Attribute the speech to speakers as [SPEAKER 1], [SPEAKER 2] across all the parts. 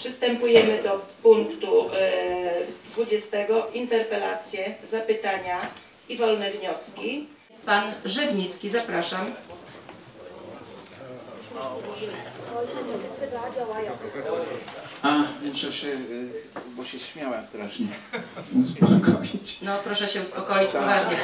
[SPEAKER 1] Przystępujemy do punktu 20. Interpelacje, zapytania i wolne wnioski. Pan Żywnicki, zapraszam.
[SPEAKER 2] Muszę się, bo się śmiałem strasznie, uspokoić.
[SPEAKER 1] No proszę się uspokoić, poważnie.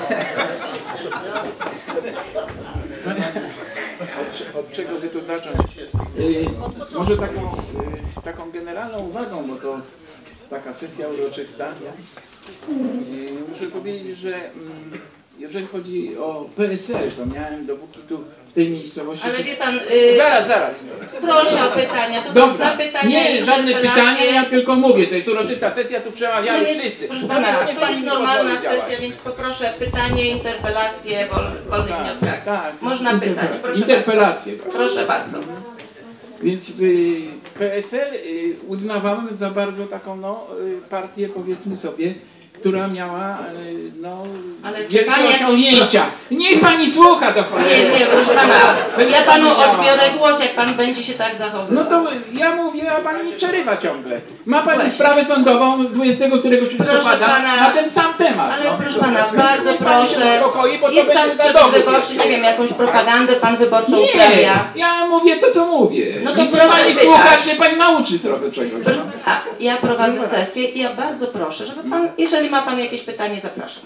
[SPEAKER 2] Od czego by tu zacząć? Może taką generalną uwagą, bo to taka sesja uroczysta. Muszę powiedzieć, że jeżeli chodzi o PSL, to miałem dopóki tu w tej miejscowości...
[SPEAKER 1] Ale wie pan...
[SPEAKER 2] Zaraz.
[SPEAKER 1] Proszę o pytania, to
[SPEAKER 2] dobra.
[SPEAKER 1] Są zapytania.
[SPEAKER 2] Nie, żadne pytania, ja tylko mówię, to jest uroczysta sesja, tu przemawiają
[SPEAKER 1] no
[SPEAKER 2] wszyscy.
[SPEAKER 1] Proszę pana, to jest normalna sesja, więc poproszę pytanie, interpelacje, wolnych wnioskach.
[SPEAKER 2] Tak,
[SPEAKER 1] można pytać, proszę
[SPEAKER 2] interpelacje.
[SPEAKER 1] bardzo. Proszę bardzo.
[SPEAKER 2] Więc PSL uznawałem za bardzo taką partię, powiedzmy sobie, która miała wielkie osiągnięcia. Niech pani słucha do cholery.
[SPEAKER 1] Nie, proszę pana. Ja panu odbiorę głos, jak pan będzie się tak zachowywał.
[SPEAKER 2] No to ja mówię, a pani mi przerywa ciągle. Ma pani sprawę sądową 20 któregoś listopada na ten sam temat.
[SPEAKER 1] Ale proszę pana, bardzo proszę.
[SPEAKER 2] Bo
[SPEAKER 1] jest czas wyborczy, nie wiem, jakąś propagandę pan wyborczą uprawia.
[SPEAKER 2] Ja mówię to, co mówię.
[SPEAKER 1] No to
[SPEAKER 2] i
[SPEAKER 1] proszę
[SPEAKER 2] pani słuchać, nie pani nauczy trochę czegoś.
[SPEAKER 1] Ja prowadzę sesję i ja bardzo proszę, żeby pan, jeżeli ma pan jakieś pytanie, zapraszam.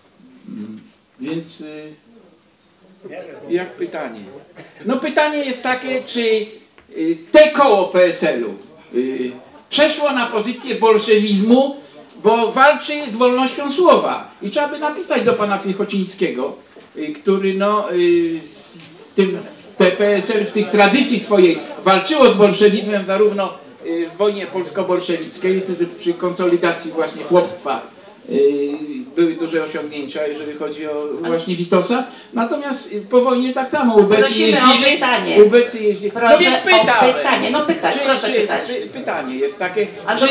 [SPEAKER 2] Więc jak pytanie? No pytanie jest takie, czy te koło PSL-u przeszło na pozycję bolszewizmu, bo walczy z wolnością słowa. I trzeba by napisać do pana Piechocińskiego, który te PSL w tych tradycji swojej walczyło z bolszewizmem zarówno w wojnie polsko-bolszewickiej, przy konsolidacji właśnie chłopstwa były duże osiągnięcia, jeżeli chodzi o właśnie Witosa. Natomiast po wojnie tak samo ubecy jeździli. No więc pytanie.
[SPEAKER 1] Proszę pytać.
[SPEAKER 2] Pytanie jest takie,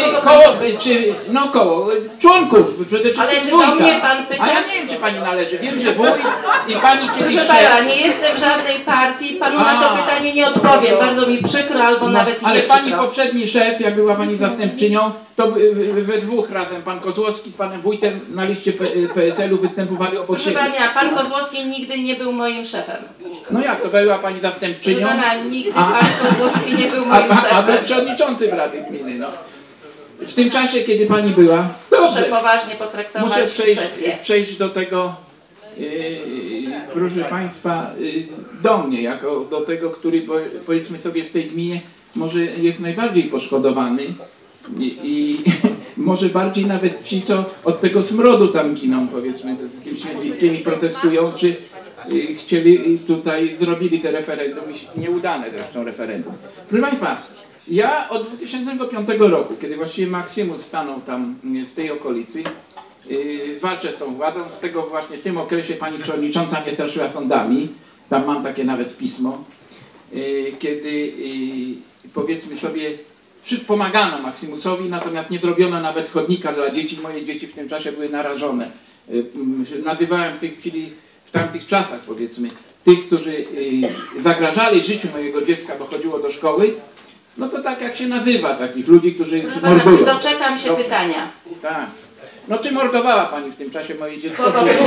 [SPEAKER 1] koło,
[SPEAKER 2] członków, przede wszystkim
[SPEAKER 1] ale czy do mnie pan pyta?
[SPEAKER 2] A ja nie wiem, czy pani należy. Wiem, że wójt i pani kiedyś...
[SPEAKER 1] Proszę pana, nie jestem w żadnej partii, panu na to pytanie nie odpowiem. Bardzo mi przykro, albo nawet nie
[SPEAKER 2] ale
[SPEAKER 1] przykro.
[SPEAKER 2] pani poprzedni szef, jak była pani zastępczynią, to we dwóch razem pan Kozłowski z panem wójtem na liście PSL-u występowali obok siebie.
[SPEAKER 1] Proszę pana, pan Kozłowski nigdy nie był moim szefem.
[SPEAKER 2] No jak to była pani zastępczynią?
[SPEAKER 1] Proszę pana, nigdy pan Kozłowski nie był moim szefem.
[SPEAKER 2] A był przewodniczącym Rady Gminy, no. W tym czasie, kiedy pani była...
[SPEAKER 1] Proszę poważnie potraktować sesję.
[SPEAKER 2] Przejść do tego, proszę państwa, do mnie, jako do tego, który powiedzmy sobie w tej gminie może jest najbardziej poszkodowany i może bardziej nawet ci, co od tego smrodu tam giną, powiedzmy, z jakimiś środowiskami protestują, czy chcieli tutaj, zrobili te referendum, nieudane zresztą referendum. Proszę państwa, ja od 2005 roku, kiedy właściwie Maksymus stanął tam w tej okolicy, walczę z tą władzą, z tego właśnie w tym okresie pani przewodnicząca mnie straszyła sądami, tam mam takie nawet pismo, kiedy powiedzmy sobie, pomagano Maksymusowi, natomiast nie zrobiono nawet chodnika dla dzieci. Moje dzieci w tym czasie były narażone. Nazywałem w tej chwili, w tamtych czasach powiedzmy, tych, którzy zagrażali życiu mojego dziecka, bo chodziło do szkoły, no to tak jak się nazywa takich ludzi, którzy mordują.
[SPEAKER 1] Czy doczekam się pytania?
[SPEAKER 2] Tak. No czy mordowała pani w tym czasie moje dziecko?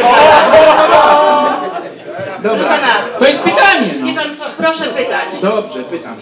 [SPEAKER 2] Dobra, to jest pytanie. No.
[SPEAKER 1] Nie pan co, proszę pytać.
[SPEAKER 2] Dobrze, pytam.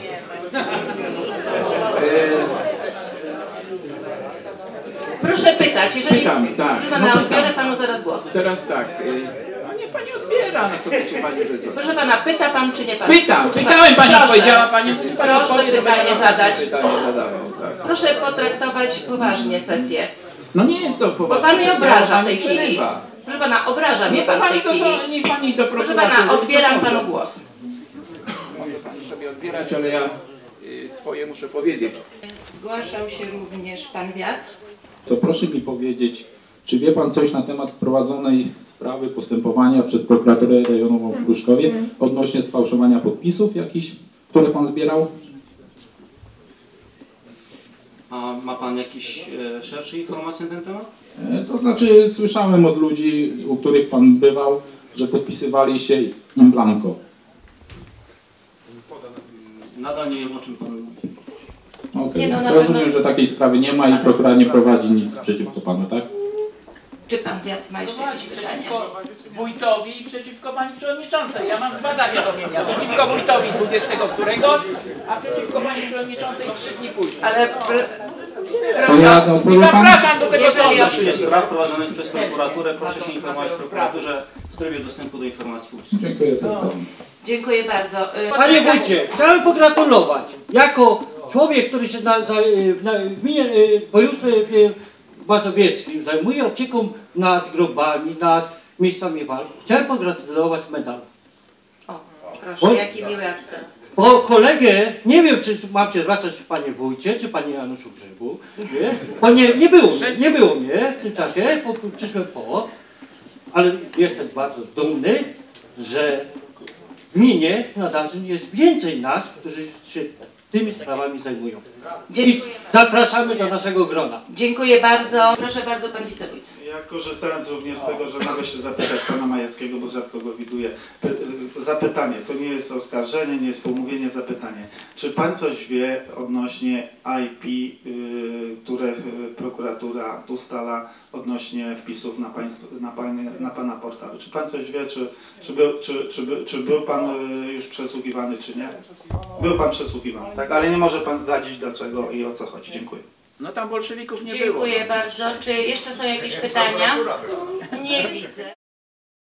[SPEAKER 1] Proszę pytać, jeżeli...
[SPEAKER 2] Pytam, tak.
[SPEAKER 1] Proszę pana, odbiorę panu zaraz głos.
[SPEAKER 2] Teraz tak. A nie pani odbiera, no co się pani wyzwa?
[SPEAKER 1] Proszę pana, pyta pan czy nie pan?
[SPEAKER 2] Pytałem pani, powiedziała pani.
[SPEAKER 1] Proszę pytanie zadać.
[SPEAKER 2] Pytanie zadawał, tak.
[SPEAKER 1] Proszę potraktować poważnie sesję.
[SPEAKER 2] No nie jest to poważnie.
[SPEAKER 1] Bo pan mnie obraża w tej chwili. Proszę pana, obraża mnie pan w tej chwili.
[SPEAKER 2] Niech pani do
[SPEAKER 1] proszę pana, odbieram panu głos.
[SPEAKER 2] Może pani sobie odbierać, ale ja swoje muszę powiedzieć.
[SPEAKER 1] Zgłaszał się również pan Wiatr.
[SPEAKER 3] To proszę mi powiedzieć, czy wie pan coś na temat prowadzonej sprawy postępowania przez prokuraturę rejonową w Pruszkowie odnośnie sfałszowania podpisów jakichś, które pan zbierał?
[SPEAKER 4] A ma pan jakieś szersze informacje na ten temat?
[SPEAKER 3] To znaczy słyszałem od ludzi, u których pan bywał, że podpisywali się in blanco.
[SPEAKER 4] Nadal nie wiem, o czym pan mówi.
[SPEAKER 3] Okej.
[SPEAKER 1] Nie, no, na
[SPEAKER 3] Rozumiem,
[SPEAKER 1] pewno-
[SPEAKER 3] że takiej sprawy nie ma i prokurator nie prowadzi nic przeciwko panu, tak?
[SPEAKER 1] Czy pan Wiat ma jeszcze jakieś pytania?
[SPEAKER 5] Przeciwko wójtowi i przeciwko pani przewodniczącej. Ja mam 2 zawiadomienia. Przeciwko wójtowi 20 któregoś, a przeciwko pani przewodniczącej 3 dni później.
[SPEAKER 1] Ale
[SPEAKER 3] To ja
[SPEAKER 5] I
[SPEAKER 3] odpowiem panu.
[SPEAKER 5] zapraszam do tego
[SPEAKER 1] Jeżeli
[SPEAKER 5] sądu.
[SPEAKER 4] Jeśli jest spraw prowadzonych przez prokuraturę, proszę się informować w prokuraturze w trybie dostępu do informacji publicznej.
[SPEAKER 3] Dziękuję bardzo.
[SPEAKER 1] dziękuję bardzo.
[SPEAKER 6] Panie wójcie, chciałem pogratulować. Jako człowiek, który się w gminie województwie mazowieckim zajmuje opieką nad grobami, nad miejscami walk, chciałem pogratulować medalu.
[SPEAKER 1] O, proszę, jaki miły akcent.
[SPEAKER 6] Bo kolegę, nie wiem, czy mam się zwracać panie wójcie, czy panie Januszu Grzybu, nie? Bo nie było mnie w tym czasie, przyszłem po, ale jestem bardzo dumny, że w gminie Nadazyn jest więcej nas, którzy się tymi sprawami zajmują. I
[SPEAKER 1] Dziękuję.
[SPEAKER 6] zapraszamy do naszego grona.
[SPEAKER 1] Dziękuję bardzo. Proszę bardzo, pan wicewójt.
[SPEAKER 7] Ja korzystając również z tego, że mogę się zapytać pana Majewskiego, bo rzadko go widuję. Zapytanie, to nie jest oskarżenie, nie jest pomówienie, zapytanie. Czy pan coś wie odnośnie IP, które prokuratura ustala odnośnie wpisów na pana portalu? Czy pan coś wie, czy był pan już przesłuchiwany, czy nie? Był pan przesłuchiwany, tak? Ale nie może pan zdradzić dlaczego i o co chodzi. Dziękuję.
[SPEAKER 5] No tam bolszewików nie było.
[SPEAKER 1] Dziękuję bardzo. Czy jeszcze są jakieś pytania? Nie widzę.